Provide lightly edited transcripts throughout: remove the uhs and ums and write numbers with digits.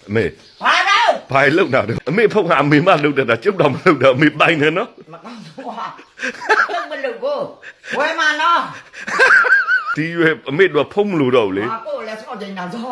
妹， ဘာလို့排路哪的？妹碰下妹妈路的，就当路的，妹摆呢喏。 မကောင်းဘူးဟာလုံးမလို့ကိုဝယ်မှာနော်ဒီရွယ်အမေတို့ဖုံးမလို့တော့လေဟာကိုလည်းစော့တင်တာစော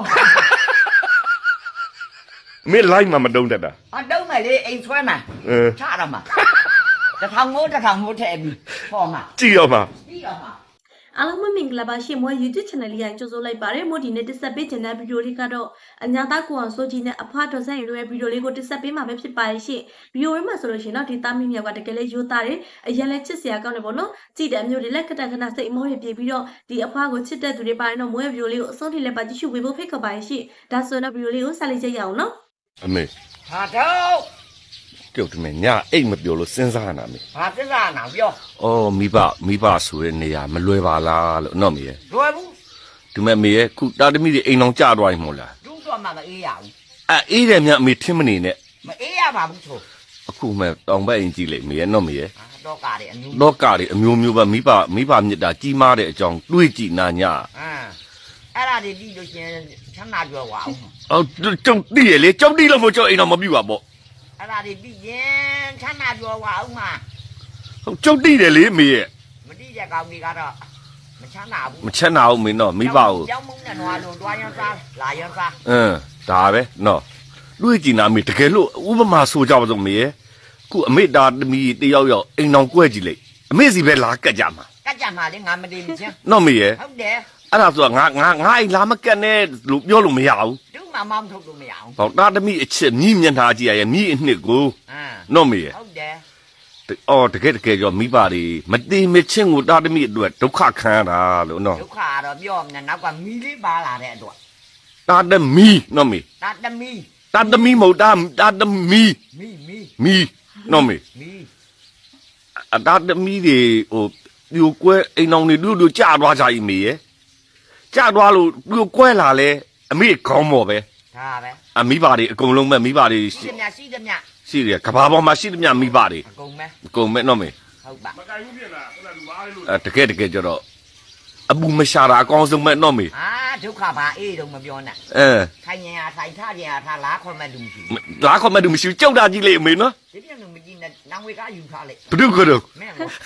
အမေလိုက်မှမတုံးတတ်တာအတုံးမယ်လေအိမ်ဆွဲမှာအဲချတော့မှာတစ်ထောင်မိုးထည့်ပြီးဟောမှာကြည့်ရောမှာပြီးတော့မှာအားလုံးမင်္ဂလာပါရှင်မွေး YouTube channel လေးကိုကြိုဆိုလိုက်ပါတယ်မို့ဒီနေ့တက်ဆက်ပေးခြင်းတဲ့ဗီဒီယိုလေးကတော့အညာသားကိုအောင်စိုးကြီးနဲ့အဖွားတော်ဆက်ရီတို့ရဲ့ဗီဒီယိုလေးကိုတက်ဆက်ပေးမှာပဲဖြစ်ပါရဲ့ရှင်ဗီဒီယိုလေးမှာဆိုလို့ရှိရင်တော့ဒီသားမီးမြောက်ကတကယ်လေးရိုးသားတယ်အရင်လဲချစ်စရာကောင်းတယ်ပေါ့နော်ကြည့်တဲ့အမျိုးတွေလက်ခဏခဏစိတ်အမောတွေပြေးပြီးတော့ဒီအဖွားကိုချစ်တဲ့သူတွေပါရင်တော့မွေးဗီဒီယိုလေးကိုအဆုံးထိလည်းပါကြည့်ရှုပေးဖို့ဖိတ်ခေါ်ပါရဲ့ရှင်ဒါဆိုတော့ဗီဒီယိုလေးကိုဆက်လက်ကြည့်ရအောင်နော်အမေဟာတော့ပြုတ်တယ်မညာအိတ်မပြောလို့စဉ်းစားနာမေဘာသစ္စာနာပြောအော်မိဘဆိုတဲ့နေရာမလွယ်ပါလားလို့နော်မေရဲ့လွယ်ဘူးဒီမဲ့မေရဲ့ခုတာသမီတွေအိမ်အောင်ကြသွားရင်မို့လားတူးတော့မှမအေးရဘူးအေးတယ်မြအမေထင်းမနေနဲ့မအေးရပါဘူးဆိုအခုမဲ့တောင်ဘက်အိမ်ကြည့်လိုက်မေရဲ့နော်မေရဲ့ဟာတော့ကားတယ်အမျိုးလောကတွေအမျိုးမျိုးပဲမိဘမြစ်တာကြီးမားတဲ့အကြောင်းတွေးကြည့်နာညာအဲ့ဒါတွေပြီးလို့ရှင်ချမ်းသာကြွယ်ဝအောင်အော်ကျုံတိရလေကျုံတိလို့မကျုံအိမ်အောင်မပြူပါပေါ့အဲ့ဒါတွေပြီးရင်ချမ်းသာကြွယ်ဝအောင်မှာဟုတ်ကျုံတိတယ်လေမေရဲ့မတိတဲ့ကောင်ကြီးကတော့မချမ်းသာဘူးမချက်နာဘူးမင်းတော့မိဘကိုကြောင်းမုန်းနဲ့နွားလို့တွားရမ်းစားလာရမ်းစားဒါပဲနော်တွေးကြည့်နာမေတကယ်လို့ဥပမာဆိုကြပါစို့မေရဲ့ခုအမေတာသမီးတယောက်အိမ်အောင်ကွဲကြည့်လိုက်အမေစီပဲလာကတ်ကြမှာကတ်ကြမှာလေငါမတည်မချင်းနော်မေရဲ့ဟုတ်တယ်အဲ့ဒါဆိုတော့ငါအိမ်လာမကတ်နဲ့လို့ပြောလို့မရဘူးတူးမှမောင်းထုတ်လို့မရအောင်ဟောတာသမီးအချစ်မြည်မျက်နှာကြည့်ရရဲ့မြည်အနှစ်ကို နော်မေရဲ့ဟုတ်တယ်အော်တကယ်ကြောမိဘတွေမတိမချင်းကိုတာသမီးအတွက်ဒုက္ခခံရတာလို့နော်ဒုက္ခကတော့ပြောမနေနောက်ကမီလေးပါလာတဲ့အတွက်တာသမီးနော်မေတာသမီးတာသမီးမဟုတ်တာသမီးမီနော်မေမီအတာသမီးတွေဟိုပြိုကွဲအိမ်အောင်တွေတို့ကြာသွားကြ၏မေရဲ့ကြာသွားလို့ပြိုကွဲလာလဲအမေခေါင်းမော်ပဲဒါပဲအမိဘတွေအကုန်လုံးပဲမိဘတွေရှိသမျှရှိသမျှရှိတယ်ကဘာပေါ်မှာရှိသမျှမိဘတွေအကုန်ပဲအကုန်ပဲနော်မေဟုတ်ပါတကယ်ကြတော့အပူမရှာတာအကောင်းဆုံးပဲနော်မေအာဒုက္ခပါအေးတော့မပြောနဲ့ ထိုင်ရင်ဟာထိုင်ထားရင်ဟာထားလားခေါ်မဲ့လူမရှိဘူးလာခေါ်မတူမရှိကြောက်တာကြီးလေအမေနော်ဒီပြန်လို့မကြည့်နဲ့နောင်ဝေကယူထားလိုက်ဘုဒ္ဓကတော့မင်းကော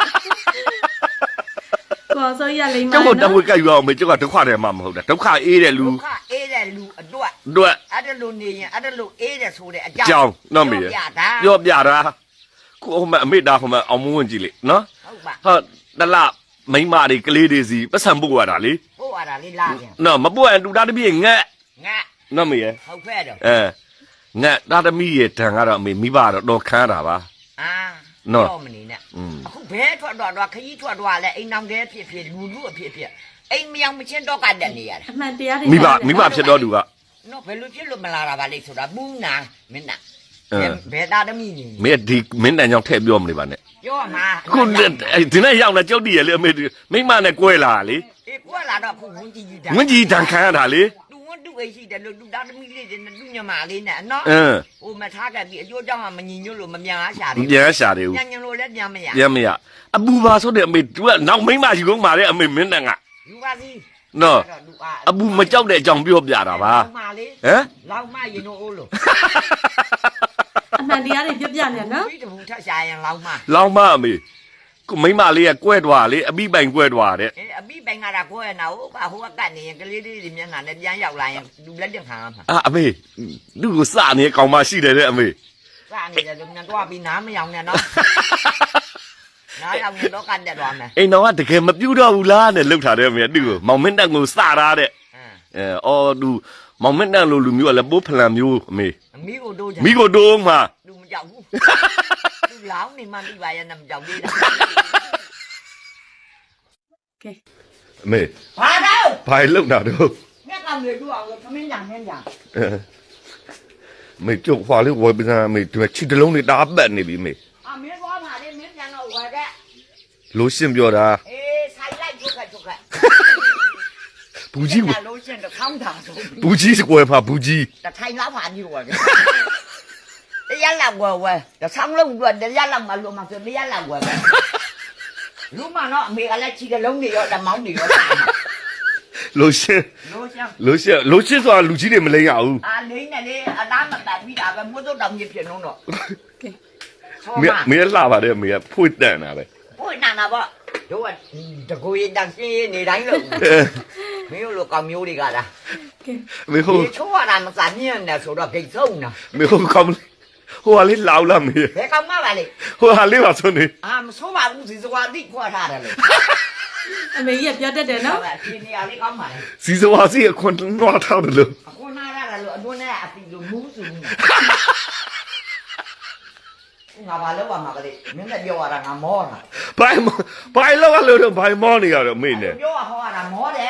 ကိုအောင်စိုးရလိမ့်မှာကျောက်နော်တော့တဝက်ကယူအောင်မေကျောက်ကဒုက္ခတယ်မှမဟုတ်တာဒုက္ခအေးတဲ့လူဒုက္ခအေးတဲ့လူအတွက်တို့အဲ့ဒါလိုနေရင်အဲ့ဒါလိုအေးတဲ့ဆိုတဲ့အကြောကြောင်င်းနော်မေပြတာပြောပြတာခုဟိုမဲ့အမေတာဟိုမဲ့အောင်မဝင်ကြည့်လေနော်ဟုတ်ပါဟာတလမိမတွေကလေးတွေစီပတ်စံပုတ်ရတာလေဟိုအဲ့ဒါလေးလာပြန်နော်မပုတ်ရင်တူတာတပြည့်ငက်ငါနော်မေရဲ့ဟုတ်ဖဲ့တော့ငက်တာသမီးရဲ့တန်ကတော့အမေမိဘတော့တော်ခမ်းတာပါအာနော်တော့မနေနဲ့အခုဘဲထွက်တော့ခကြီးထွက်တော့လဲအိမ်နောင်တဲဖြစ်ဖြစ်လူအဖြစ်ဖြစ်အိမ်မယောင်မချင်းတော့ကတက်နေရတာအမှန်တရားတွေမိဘဖြစ်တော့သူကနော်ဘယ်လိုဖြစ်လို့မလာတာပါလိမ့်ဆိုတာဘူးနာမင်းနာဘယ်သားသမီးနေမင်းဒီမင်းတန်ကြောင့်ထည့်ပြောမနေပါနဲ့ပြောမှာခုဒီနေ့ရောက်လာကြောက်တည်ရလေအမေမိမနဲ့ကွဲလာလေအေးကွာလာတော့ခုဝင်းကြီးကြီးတာငွင့်ကြီးတန်ခံရတာလေသူဝန်းသူအိရှိတယ်လို့သူသားသမီးလေးတွေနဲ့သူညမလေးနဲ့နော်ဟိုမထားခဲ့ပြီးအကျိုးကြောင့်မညီညွတ်လို့မမြန်အားရှာတယ်ပြန်ရှာတယ်ဦးညံလို့လည်းပြန်မရပြန်မရအပူပါဆိုတဲ့အမေသူကနောက်မိမယူကုန်ပါလေအမေမင်းတန်ကယူပါစီနော်အပူမကြောက်တဲ့အကြောင်းပြောပြတာပါမလေးဟမ်လောက်မရင်တို့အိုးလို့အမှန်တရားတွေပြပြနေနော်ပြီးတဘူးထက်ရှာရင်လောက်မလောင်းမအမေကိုမိမလေးကကွဲသွားလေအပိပိုင်ကွဲသွားတဲ့အေးအပိပိုင်ကတော့ကိုယ့်ရဲ့နာဟိုကကတ်နေရင်ကလေးလေးတွေမျက်နှာနဲ့ပြန်ရောက်လာရင်လူလက်တင်ခံရမှာအမေသူ့ကိုစနေကောင်မရှိတယ်တဲ့အမေစနေတယ်လို့မြန်တော့ပြီးနားမယောင်နဲ့နော်နားယောင်ရင်တော့ကတ်တက်သွားမယ်အိမ်တော်ကတကယ်မပြူတော့ဘူးလားနဲ့လှုပ်ထားတယ်အမေသူ့ကိုမောင်မင်းတန်ကိုစတာတဲ့အော်သူမောင်မင်းတန်လိုလူမျိုးကလည်းပိုးဖလန်မျိုးအမေအမိကိုတို့ချင်မိကိုတိုးမှာလူမကြောက်ဘူးလူလောင်းနေမှပြပါရဲ့နဲ့မကြောက်သေးတာကဲအမေဘာတော့ဘာလှုပ်တာတော့ငါကောင်တွေတို့အောင်လို့သမင်းညာမင်းညာမေကျုပ်ခွာလေးဝယ်ပစံမေဒီချီတလုံးလေးတားပတ်နေပြီမေအမင်းသွားပါလေမင်းပြန်တော့ဝယ်တဲ့လို့ရှင်းပြောတာအေးဆိုင်လိုက်ချုပ်ခတ်ချုပ်ခတ်ဘူးကြီးကိုလို့ရှင်းတော့ခေါင်းတာဆိုဘူးကြီးစကွယ်မှာဘူးကြီးတထိုင်လောက်ပါကြီးဝယ်တရားလောက်ဝယ်တဆောင်းလုံးတော့တရားလောက်မလို့မဆိုတရားလောက်ဝယ်လူမနော်အမေကလည်းချီကလုံးတွေရောတမောင်းတွေရောလို့ရှင်းလို့ရှင်းလို့ရှင်းဆိုတာလူကြီးတွေမလိမ့်ရဘူးအာလိမ့်နေလေအနာမတတ်ပြီးတာပဲမိုးတို့တောင်ကြီးဖြစ်နှုံးတော့ကဲဆောမေမမေလှပါတယ်မေဖွင့်တန်တာပဲဘိုးနာနာပေါ့တို့ကတကူရတန်ရှင်းနေတိုင်းလို့မင်းတို့လိုကောင်မျိုးတွေကလားကဲမေဟိုဒီချိုးရတာမစားမြင်နဲ့ဆိုတော့ဂိတ်ဆုံးနာမေဟိုကောင်းဟိုဟာလေးလောက်လာမေဘယ်ကောင်မှပါလေဟိုဟာလေးပါဆိုနေအာမဆိုးပါဘူးစီစွာတိခွာထားတယ်လို့အမေကြီးကပြောတတ်တယ်နော်ဟုတ်ကဲ့ဒီနေရာလေးကောင်းပါလေစီစဝါစီအခွန်နွားထားတယ်လို့အခုနားရတယ်လို့အတွင်းနဲ့အပီလို့မူးစုနေငါဘာလို့ပါမှာကလေးမင်းလည်းပြောရတာငါမောတာဘိုင်လောက်လို့တော့ဘိုင်မောနေရတော့မေနဲ့ပြောရဟောရတာမောတယ်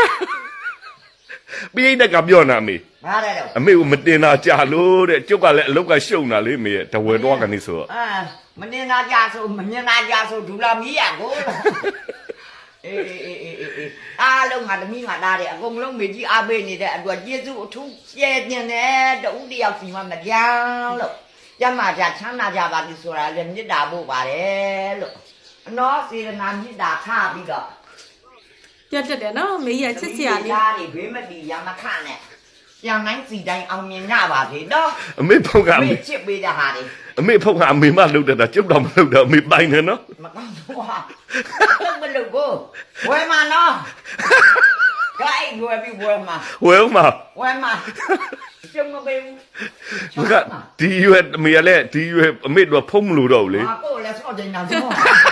ပြိတက်ကပြောနာမေဘာလဲတော့အမေကမတင်တာကြာလို့တဲ့ကျုပ်ကလည်းအလုတ်ကရှုံတာလေမေရဲ့တဝဲတော့ကနေဆိုတော့အာမနေနာကြဆိုမမြင်နာကြဆိုဒူလာမီးရကိုအေးအားလုံးငါသမီးငါသားတယ်အကုန်လုံးမေကြီးအားပေးနေတဲ့အတွက်ကျေးဇူးအထူးကျဲတင်တယ်တူတယောက်စီမှမကြောင်လို့ကျမကြချမ်းသာကြပါပြီဆိုတာလည်းမေတ္တာပို့ပါတယ်လို့အနောစေတနာမေတ္တာထားပြီးတော့ပြောတတ်တယ်နော်အမေကြီးကချစ်စရာလေးသားတွေဘေးမတီရမခနဲ့ပြန်တိုင်းစီတိုင်းအောင်မြင်ကြပါစေတော့အမေဖုတ်ကအမေမေချစ်ပေးတဲ့ဟာတွေအမေဖုတ်ကအမေမလှုပ်တတ်တာကျုပ်တော့မလှုပ်တော့အမေပိုင်တယ်နော်မကောင်းဘူးဟာတော့မလုပ်ဘူးဝယ်မှာနော်ဂိုင်းဝယ်ပြီးဝယ်မှာဝဲဦးမဝယ်မှာကျုံမပေးဘူးမကဒီရွယ်အမေကလည်းဒီရွယ်အမေတို့ဖုံးမလို့တော့ဘူးလေဟာကိုလည်းစောင့်ကြနေတာဆို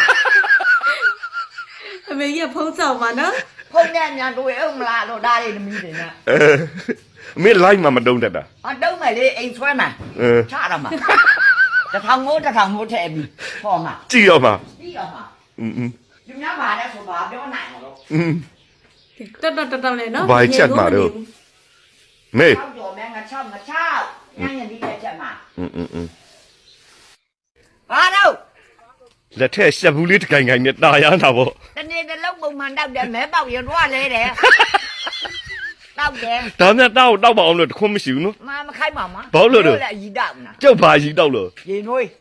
အမေကြီးကဖုံးဆောင်ပါနော်ဖုန်းနဲ့ညာတွေ့အောင်မလားတော့ဒါလေးသမီးတွေနဲ့အမေလိုက်မှမတုံးတတ်တာအတုံးမယ်လေအိမ်ဆွဲမှာအဲချရမှာတစ်ထောင်မိုးထည့်ပြီးဟောမှာကြည့်ရောမှာပြီးတော့မှာอืมဒီများပါလဲဆိုပါပြောနိုင်မှာလို့อืมတော်လေနော်ဘာချက်မှာတော့ မေချောက်ကြော်မဲငါချောက်ညံ့ဒီလက်ချက်မှာอืมဟာတော့လက်ထက်ရှက်ဘူးလေးတကိုင်ကိုင်နဲ့တာရတာပေါ့တနေ့တစ်လုံးပုံမှန်တောက်တယ်မဲပေါက်ရတော့လဲတယ်တောက်တယ်ဒါနဲ့တောက်ပါအောင်လို့တခွန်းမရှိဘူးနော်မခိုက်ပါမဘာလို့လဲလည်းရီတောက်နာကျုပ်ဘာကြီးတောက်လို့ရေနွေး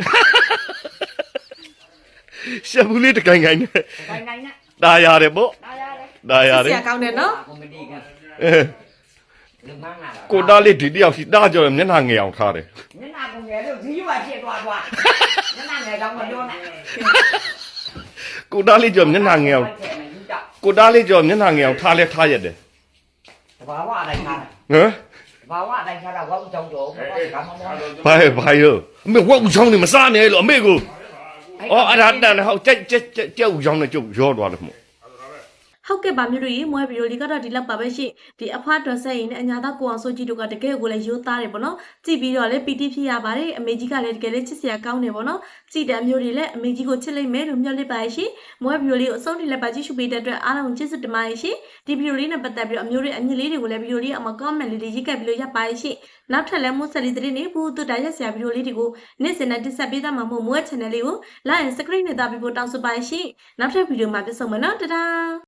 ရှက်ဘူးလေးတကိုင်ကိုင်နဲ့ခိုင်နိုင်နဲ့တာရတယ်ပေါ့ဒါရတယ်တာရချစ်စတယ်ရာကောင်းတယ်နော်ကွန်မတီကအဲလူမန်းလာကိုတားလေးဒီတယောက်ရှိတားကြော်မျက်နှာငယ်အောင်ထားတယ်မျက်နှာကုန်ငယ်လို့ဇီးရွာဖြစ်သွားမျက်နှာငယ်တော့မပြောနဲ့ကိုတားလေးကြော်မျက်နှာငယ်အောင်ကိုတားလေးကြော်မျက်နှာငယ်အောင်ထားလဲထားရတယ်တဘာဝအတိုင်းထားတယ်ဟမ်တဘာဝအတိုင်းထားတာဝတ်ကြောင်ကြောဘာကမမောဘာရောအမေဝက်ဦးချောင်းနေမစားနဲ့လို့အမေကိုအော်အဲ့ဒါတန်ဟောက်ကြက်ဦးချောင်းနဲ့ကျုပ်ရောသွားတယ်မို့ဟုတ်ကဲ့ပါမြို့တို့ရေမွဲဗီဒီယိုလေးကတော့ဒီလောက်ပါပဲရှင်ဒီအဖွားတော်ဆက်ရင်နဲ့အညာသားကိုအောင်စိုးကြီးတို့ကတကယ်ကိုလည်းရိုးသားတယ်ပေါ့နော်ကြည့်ပြီးတော့လည်းပီတိဖြစ်ရပါတယ်အမေကြီးကလည်းတကယ်လည်းချစ်စရာကောင်းတယ်ပေါ့နော်ကြည်တံမျိုးတွေလည်းအမေကြီးကိုချစ်လိုက်မယ်လို့မျှော်လင့်ပါရဲ့ရှင်မွဲဗီဒီယိုလေးကိုအဆုံးထိလည်းပါကြည့်ရှုပေးတဲ့အတွက်အားလုံးကျေးဇူးတင်ပါတယ်ရှင်ဒီဗီဒီယိုလေးနဲ့ပတ်သက်ပြီးတော့အမျိုးတွေအညီလေးတွေကိုလည်းဗီဒီယိုလေးအောက်မှာ comment လေးတွေရေးခဲ့ပြီးလို့ရပါရဲ့ရှင်နောက်ထပ်လည်းမိုးဆက်လေးတဲ့နေဘူးတူတာရက်စရာဗီဒီယိုလေးတွေကိုနေ့စဉ်နဲ့တင်ဆက်ပေးသားမှာမို့မွဲ channel လေးကို like and subscribe နဲ့တာပြီးဖို့တောင်းဆိုပါရဲ့ရှင်နောက်ထပ်ဗီဒီယိုမှာပြန်ဆုံမယ်နော်တဒါ